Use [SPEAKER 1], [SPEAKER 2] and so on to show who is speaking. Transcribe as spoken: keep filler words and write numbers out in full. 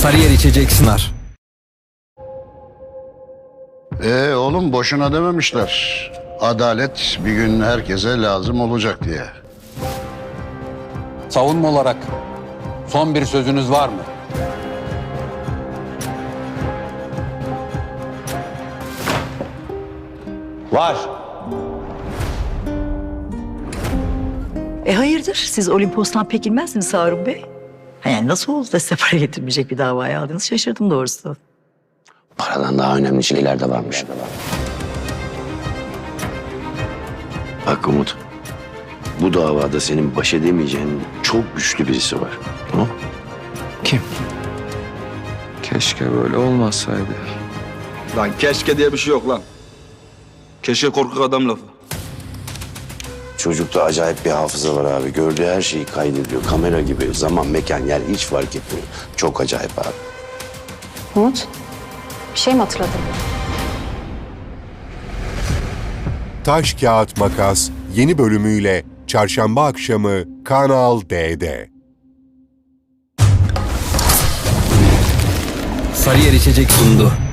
[SPEAKER 1] Sarıyer içecek sınar.
[SPEAKER 2] Ee oğlum boşuna dememişler. Adalet bir gün herkese lazım olacak diye.
[SPEAKER 3] Savunma olarak son bir sözünüz var mı? Var.
[SPEAKER 4] E hayırdır? Siz Olimpos'tan pek inmezsiniz Harun Bey. Ha, yani nasıl oldu da size para getirmeyecek bir davaya aldınız? Şaşırdım doğrusu.
[SPEAKER 5] Paradan daha önemli şeyler de varmış. Bak Umut, bu davada senin baş edemeyeceğin çok güçlü birisi var. Tamam?
[SPEAKER 6] Kim? Keşke böyle olmasaydı.
[SPEAKER 7] Lan keşke diye bir şey yok lan. Keşke korkak adam lafı.
[SPEAKER 5] Çocukta acayip bir hafıza var abi. Gördüğü her şeyi kaydediyor. Kamera gibi. Zaman, mekan, yer hiç fark etmiyor. Çok acayip abi.
[SPEAKER 8] Umut, bir şey mi hatırladın?
[SPEAKER 9] Taş Kağıt Makas yeni bölümüyle Çarşamba akşamı Kanal D'de.
[SPEAKER 1] Sarıyer içecek sundu.